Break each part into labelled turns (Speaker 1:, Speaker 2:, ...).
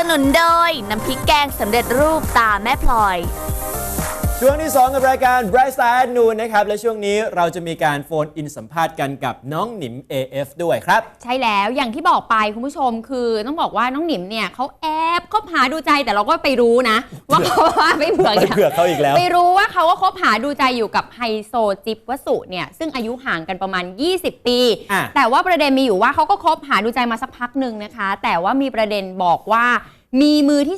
Speaker 1: นุนโดยน้ำพริกแกงสำเร็จรูปตาแม่พลอย
Speaker 2: ช่วงที่ 2 กับรายการ Bright Side Noon นะครับและช่วงนี้เราจะมีการโฟนอินสัมภาษณ์กันกับน้องหนิม AF ด้วยครับ
Speaker 3: ใช่แล้วอย่างที่บอกไปคุณผู้ชมคือต้องบอกว่าน้องหนิมเนี่ยเขาแอบคบหาดูใจแต่เราก็ไปรู้นะว่าเขาไม่เผื่อ
Speaker 2: เขาอีกแล้ว
Speaker 3: ไปรู้ว่าเขาก็คบหาดูใจอยู่กับไฮโซจิ๊บวสุเนี่ยซึ่งอายุห่างกันประมาณ20 ปีแต่ว่าประเด็นมีอยู่ว่าเขาก็คบหาดูใจมาสักพักหนึ่งนะคะแต่ว่ามีประเด็นบอกว่ามีมือที่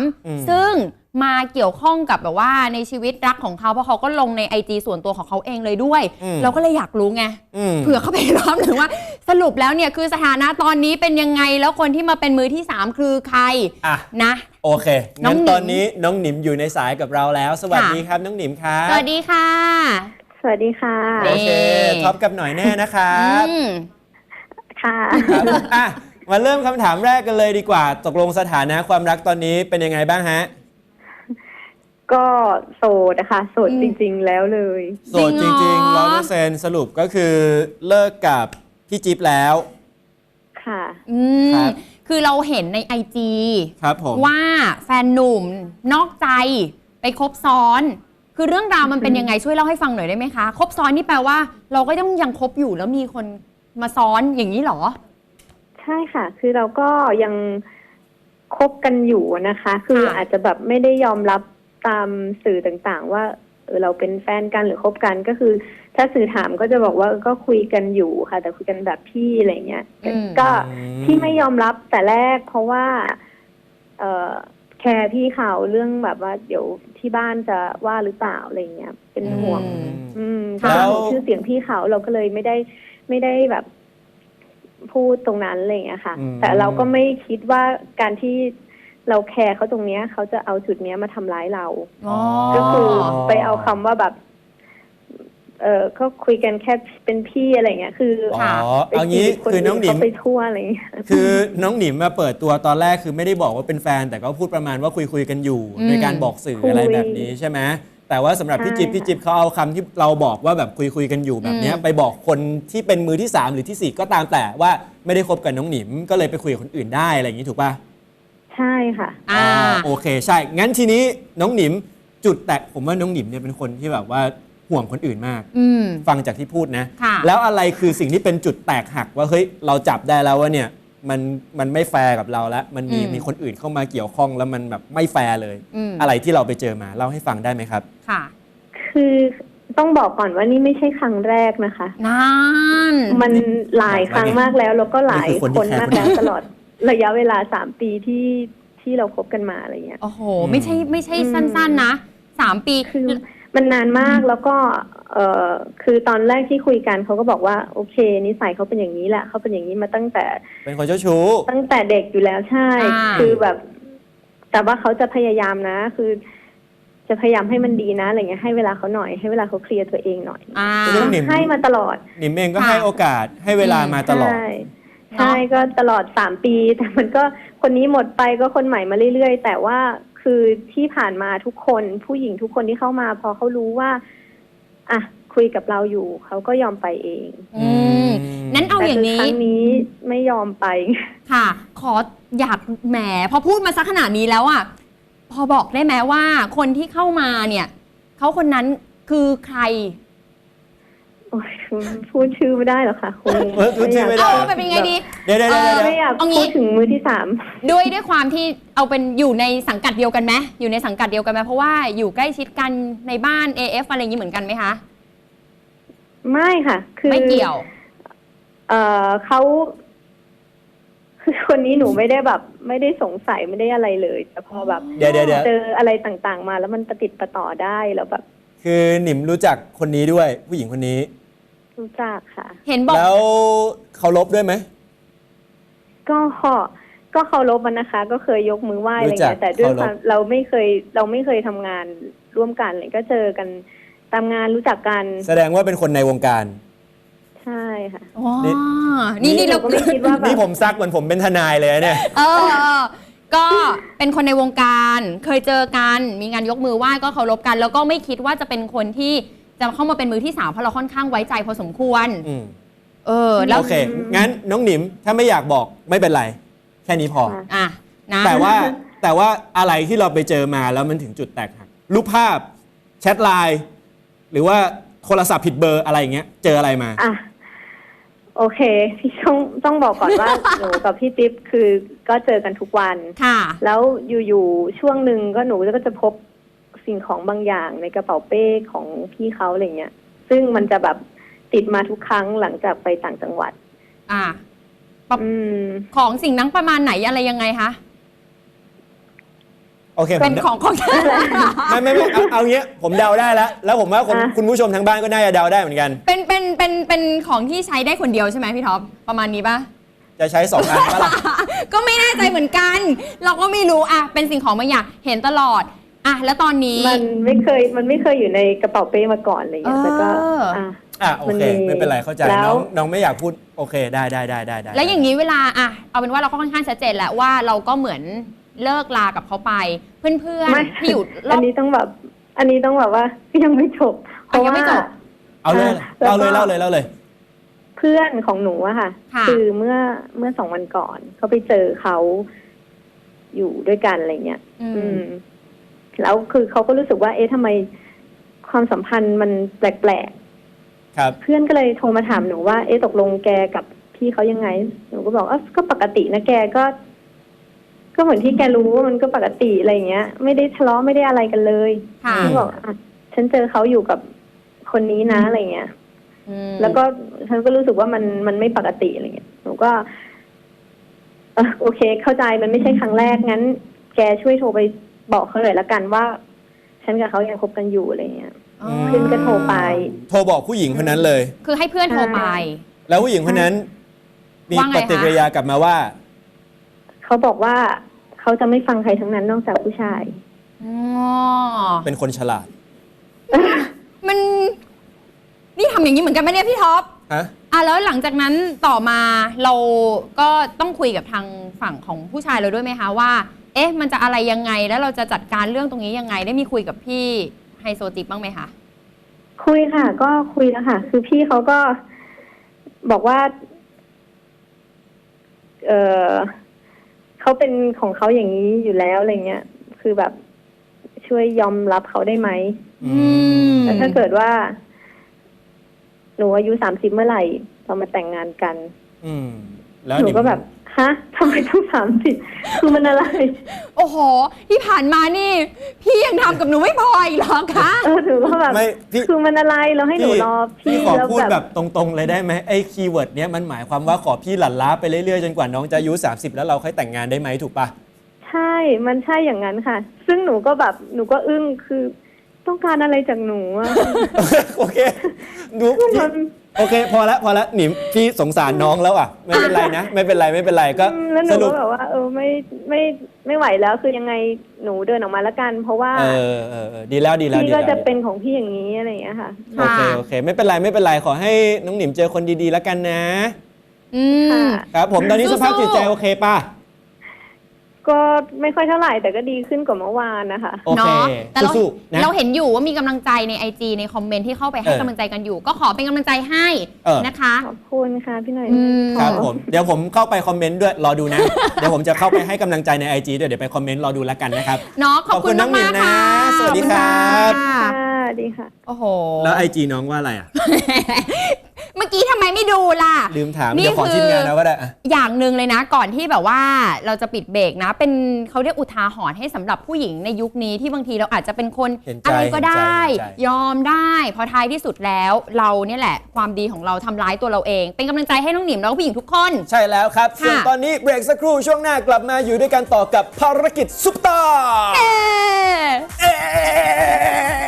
Speaker 3: 3ซึ่งมาเกี่ยวข้องกับแบบว่าในชีวิตรักของเขาเพราะเขาก็ลงใน IG ส่วนตัวของเขาเองเลยด้วยเราก็เลยอยากรู้ไงเผื่อเขาไปรอบหนึ่งว่าสรุปแล้วเนี่ยคือสถานะตอนนี้เป็นยังไงแล้วคนที่มาเป็นมือที่3คือใครนะ
Speaker 2: โอเคงั้นตอนนี้น้องหนิมอยู่ในสายกับเราแล้วสวัสดีครับน้องหนิมครับ
Speaker 3: สวัสดีค่ะ
Speaker 4: สวัสดีค่ะ
Speaker 2: โอเคท็อปกับหน่อยแน่นะครับ
Speaker 4: ค่ะ
Speaker 2: มาเริ่มคำถามแรกกันเลยดีกว่าตกลงสถานะความรักตอนนี้เป็นยังไงบ้างฮะ
Speaker 4: ก็โสดนะคะโสดจริงๆแล้วเลย
Speaker 2: โสดจริงๆ100%สรุปก็คือเลิกกับพี่จิ๊บแล้ว
Speaker 4: ค่ะ
Speaker 3: คือเราเห็นใน IG
Speaker 2: ครับผม
Speaker 3: ว่าแฟนหนุ่มนอกใจไปคบซ้อนคือเรื่องราวมันเป็นยังไงช่วยเล่าให้ฟังหน่อยได้ไหมคะคบซ้อนนี่แปลว่าเราก็ต้องยังคบอยู่แล้วมีคนมาซ้อนอย่างนี้หรอ
Speaker 4: ใช่ค่ะคือเราก็ยังคบกันอยู่นะคะคืออาจจะแบบไม่ได้ยอมรับตามสื่อต่างๆว่าเราเป็นแฟนกันหรือคบกันก็คือถ้าสื่อถามก็จะบอกว่าก็คุยกันอยู่ค่ะแต่คุยกันแบบพี่อะไรเงี้ยก็ที่ไม่ยอมรับแต่แรกเพราะว่าแคร์พี่เขาเรื่องแบบว่าเดี๋ยวที่บ้านจะว่าหรือเปล่าอะไรเงี้ยเป็นห่วงแล้วชื่อเสียงพี่เขาเราก็เลยไม่ได้แบบพูดตรงนั้นอะไรเงี้ยค่ะแต่เราก็ไม่คิดว่าการที่เราแคร์เขาตรงนี้เขาจะเอาจุดนี้มาทำร้ายเราก็คือไปเอาคำว่าแบบก็คุยกันแค่เป็นพี่อะไรเงี้ยคือ
Speaker 2: เอางี้คือน้องหนิม
Speaker 4: ไปทั่วอะไรเงี้ย
Speaker 2: คือน้องหนิมมาเปิดตัวตอนแรกคือไม่ได้บอกว่าเป็นแฟนแต่ก็พูดประมาณว่าคุยกันอยู่ในการบอกสื่ออะไรแบบนี้ใช่ไหมแต่ว่าสำหรับพี่จิ๊บเขาเอาคำที่เราบอกว่าแบบคุยกันอยู่แบบนี้ไปบอกคนที่เป็นมือที่3หรือที่4ก็ตามแต่ว่าไม่ได้คบกับน้องหนิมก็เลยไปคุยกับคนอื่นได้อะไรอย่างนี้ถูกป่ะ
Speaker 4: ใช่ค่ะ
Speaker 2: โอเคใช่งั้นทีนี้น้องหนิมจุดแตกผมว่าน้องหนิมเนี่ยเป็นคนที่แบบว่าห่วงคนอื่นมากฟังจากที่พูดนะแล้วอะไรคือสิ่งที่เป็นจุดแตกหักว่าเฮ้ยเราจับได้แล้วว่าเนี่ยมันไม่แฟร์กับเราแล้วมันมีคนอื่นเข้ามาเกี่ยวข้องแล้วมันแบบไม่แฟร์เลยอะไรที่เราไปเจอมาเล่าให้ฟังได้ไหมครับ
Speaker 3: ค่ะ
Speaker 4: คือต้องบอกก่อนว่านี่ไม่ใช่ครั้งแรกนะคะมันหลายครั้งมากแล้วแล้วก็หลายคนมากแล้วตลอดระยะเวลา3 ปีที่เราคบกันมาอะไรเงี้ย
Speaker 3: โอ้โหไม่ใช่สั้นๆนะ3 ปี
Speaker 4: คือมันนานมากแล้วก็คือตอนแรกที่คุยกันเขาก็บอกว่าโอเคนิสัยเขาเป็นอย่างนี้แหละเขาเป็นอย่างนี้มาตั้งแต่
Speaker 2: เป็นคนเจ้าชู้
Speaker 4: ตั้งแต่เด็กอยู่แล้วใช่คือแบบแต่ว่าเขาจะพยายามนะคือจะพยายามให้มันดีนะอะไรเงี้ยให้เวลาเขาหน่อยให้เวลาเขาเคลียร์ตัวเองหน่อยให้มาตลอด
Speaker 2: หนิมเองก็ให้โอกาสให้เวลามาตลอด
Speaker 4: ใช่ก็ตลอด3 ปีแต่มันก็คนนี้หมดไปก็คนใหม่มาเรื่อยๆแต่ว่าคือที่ผ่านมาทุกคนผู้หญิงทุกคนที่เข้ามาพอเขารู้ว่าอ่ะคุยกับเราอยู่เขาก็ยอมไปเอง
Speaker 3: นั้นเอาอย่างนี้
Speaker 4: ครั้งนี้ไม่ยอมไป
Speaker 3: ค่ะขออยากแหมพอพูดมาสักขนาดนี้แล้วอ่ะพอบอกได้ไหมว่าคนที่เข้ามาเนี่ยเขาคนนั้นคือใคร
Speaker 4: พูดชื่อไม่ได้หรอคะคุณ
Speaker 2: พูดชื่อไม่ได้
Speaker 3: เป็นยังไงดี
Speaker 2: เดี๋ยว
Speaker 4: ไม่อยากพูดถึงมือที่3
Speaker 3: ด้วยความที่เอาเป็นอยู่ในสังกัดเดียวกันไหมอยู่ในสังกัดเดียวกันไหมเพราะว่าอยู่ใกล้ชิดกันในบ้าน AF อะไรอย่างนี้เหมือนกันไหมคะ
Speaker 4: ไม่ค่ะคือ
Speaker 3: ไม่เกี่ยว
Speaker 4: เขาคือคนนี้หนูไม่ได้แบบไม่ได้สงสัยไม่ได้อะไรเลยแต่พอแบบเจออะไรต่างๆมาแล้วมันประติดประต่อได้แล้วแบบ
Speaker 2: คือหนิมรู้จักคนนี้ด้วยผู้หญิงคนนี้
Speaker 4: รู้จักค่ะ
Speaker 3: เห็นบอก
Speaker 2: แล้วเคารพด้วยไหม
Speaker 4: ก็เคารพมันนะคะก็เคยยกมือไหว้อะไรเงี้ยแต่ด้วยความเราไม่เคยทำงานร่วมกันเลยก็เจอกันตามงานรู้จักกัน
Speaker 2: แสดงว่าเป็นคนในวงการ
Speaker 4: ใช่ค่ะ
Speaker 3: นี่เรา
Speaker 4: ก็ไม่คิดว่า
Speaker 2: นี่ผมซักเหมือนผมเป็นทนายเลยเนี่ย
Speaker 3: ก็เป็นคนในวงการเคยเจอกันมีงานยกมือไหว้ก็เคารพกันแล้วก็ไม่คิดว่าจะเป็นคนที่จะเข้ามาเป็นมือที่3เพราะเราค่อนข้างไว้ใจพอสมควร
Speaker 2: แล้วโอเคงั้นน้องหนิมถ้าไม่อยากบอกไม่เป็นไรแค่นี้พอ
Speaker 3: นะ
Speaker 2: แต่ว่าอะไรที่เราไปเจอมาแล้วมันถึงจุดแตกหักรูปภาพแชทไลน์หรือว่าโทรศัพท์ผิดเบอร์อะไรอย่างเงี้ยเจออะไรมา
Speaker 4: โอเคพี่ต้องบอกก่อนว่า หนูกับพี่ติ๊บคือก็เจอกันทุกวัน
Speaker 3: ค่ะ
Speaker 4: แล้วอยู่ๆช่วงหนึ่งก็หนูก็จะพบสิ่งของบางอย่างในกระเป๋าเป้ของพี่เขาอะไรเงี้ยซึ่งมันจะแบบติดมาทุกครั้งหลังจากไปต่างจังหวัด
Speaker 3: ของสิ่งนั้นประมาณไหนอะไรยังไงคะ
Speaker 2: โอเค
Speaker 3: เป็นของ
Speaker 2: ไม่เอาเงี้ยผมเดาได้แล้วผมว่าคุณผู้ชมทางบ้านก็น่าจะเดาได้เหมือนกัน
Speaker 3: เป็นของที่ใช้ได้คนเดียวใช่ไหมพี่ท็อปประมาณนี้ปะ
Speaker 2: จะใช้2 อันปะล่ะ
Speaker 3: ก็ไม่แน่ใจเหมือนกัน เราก็ไม่รู้เป็นสิ่งของบางอย่างเห็นตลอดแล้วตอนนี้
Speaker 4: มันไม่เคยอยู่ในกระเป๋าเป้มาก่อนอะไรเงี้ยแต่ก็
Speaker 2: โอเคไม่เป็นไรเข้าใจน้องไม่อยากพูดโอเคได้
Speaker 3: แล้วอย่างนี้เวลาเอาเป็นว่าเราก็ค่อนข้างชัดเจนแล้วว่าเราก็เหมือนเลิกลากับเขาไปเพื่อนๆที่อยู่
Speaker 4: อันนี้ต้องแบบว่ายังไม่จบเพราะว่า
Speaker 2: เอาเลยเล่าเลย
Speaker 4: เพื่อนของหนูอะค่ะคือเมื่อ2 วันก่อนเขาไปเจอเขาอยู่ด้วยกันอะไรเงี้ยแล้วคือเขาก็รู้สึกว่าทำไมความสัมพันธ์มันแปลกๆครับเพื่อนก็เลยโทรมาถามหนูว่าตกลงแกกับพี่เขายังไงหนูก็บอกก็ปกตินะแกก็เหมือนที่แกรู้ว่ามันก็ปกติอะไรเงี้ยไม่ได้ทะเลาะไม่ได้อะไรกันเลยเขาบอกฉันเจอเขาอยู่กับคนนี้นะอะไรเงี้ยแล้วก็ฉันก็รู้สึกว่ามันไม่ปกติอะไรเงี้ยหนูก็โอเคเข้าใจมันไม่ใช่ครั้งแรกงั้นแกช่วยโทรไปบอกเขาเลยละกันว่าฉันกับเขายังคบกันอยู่อะไรเงี้ยเพื่อนก็โทรไป
Speaker 2: โทรบอกผู้หญิงคนนั้นเลย
Speaker 3: คือให้เพื่อนโทรไป
Speaker 2: แล้วผู้หญิงคนนั้นมีปฏิกิริยากลับมาว่า
Speaker 4: เขาบอกว่าเขาจะไม่ฟังใครทั้งนั้นนอกจากผู้ชาย
Speaker 2: เป็นคนฉลาด
Speaker 3: มันนี่ทำอย่างนี้เหมือนกันไหมเนี่ยพี่ท็อปแล้วหลังจากนั้นต่อมาเราก็ต้องคุยกับทางฝั่งของผู้ชายเราด้วยไหมคะว่ามันจะอะไรยังไงแล้วเราจะจัดการเรื่องตรงนี้ยังไงได้มีคุยกับพี่ไฮโซจิ๊บบ้างไหมคะ
Speaker 4: คุยค่ะก็คุยแล้วค่ะคือพี่เขาก็บอกว่าเขาเป็นของเขาอย่างนี้อยู่แล้วอะไรเงี้ยคือแบบช่วยยอมรับเขาได้ไหมแล้วถ้าเกิดว่าหนูอายุ30เมื่อไหร่เรามาแต่งงานกัน
Speaker 2: แล้ว
Speaker 4: หนูก็แบบทำไมต้อง30คือมันอะไร
Speaker 3: โอ้โหที่ผ่านมานี่พี่ยังทำกับหนูไม่พออีกหรอคะ
Speaker 4: หนูก็แบบคือมันอะไรเราให้หนูรอพี่
Speaker 2: ขอพูดแบบตรงๆเลยได้ไหมไอ้คีย์เวิร์ดเนี้ยมันหมายความว่าขอพี่หลั่นล้าไปเรื่อยๆจนกว่าน้องจะอายุ30แล้วเราค่อยแต่งงานได้ไหมถูกปะ
Speaker 4: ใช่มันใช่อย่างนั้นค่ะซึ่งหนูก็อึ้งคือต้องการอะไรจากหนู
Speaker 2: โอเคโอเคพอแล้วหนิมพี่สงสารน้องแล้วไม่เป็นไรนะไม่เป็นไรก็
Speaker 4: สรุปแบบว่าไม่ไหวแล้วคือยังไงหนูเดินออกมาแล้วกันเพราะว่า
Speaker 2: ดีแล้ว
Speaker 4: พี่ก็จะเป็นของพี่อย่างนี้อะไรอย่างเงี้ยค่ะ
Speaker 2: โอเคไม่เป็นไรขอให้น้องหนิมเจอคนดีๆแล้วกันนะครับผมตอนนี้สภาพจิตใจโอเคป่ะ
Speaker 4: ก็ไม่ค่อยเท่าไหร่แต่ก็ดีขึ้นกว่าเมื่อวานนะคะ
Speaker 2: โอเค
Speaker 3: แต่เราเห็นอยู่ว่ามีกำลังใจใน IG ในคอมเมนต์ที่เข้าไปให้กำลังใจกันอยู่ก็ขอเป็นกำลังใจให้นะคะ
Speaker 4: ขอบคุณค่ะพี่หน่อย
Speaker 2: ครับผมเดี๋ยวผมเข้าไปคอมเมนต์ด้วยรอดูนะเดี๋ยวผมจะเข้าไปให้กำลังใจใน IG ด้วยเดี๋ยวไปคอมเมนต์รอดูแล้วกันนะครับ
Speaker 3: ขอบคุณน้องมากนะ
Speaker 2: สวัสดีครับ
Speaker 4: สวัสดีค่ะ
Speaker 3: โอ้โห
Speaker 2: แล้ว IG น้องว่าอะไร
Speaker 3: เมื่อกี้ทำไมไม่ดูล่ะ
Speaker 2: ลืมถามเดี๋ยวขอทีมงานนะว่าได้
Speaker 3: อย่างหนึ่งเลยนะก่อนที่แบบว่าเราจะปิดเบรกนะเป็นเขาเรียกอุทาหรณ์ให้สำหรับผู้หญิงในยุคนี้ที่บางทีเราอาจจะเป็นคนอะไรก็ได้ยอมได้พอท้ายที่สุดแล้วเราเนี่ยแหละความดีของเราทำร้ายตัวเราเองเป็นกำลังใจให้น้องหนิมแล้วก็ผู้หญิงทุกคน
Speaker 2: ใช่แล้วครับส่วนตอนนี้เบรกสักครู่ช่วงหน้ากลับมาอยู่ด้วยกันต่อกับภารกิจซุปตาร์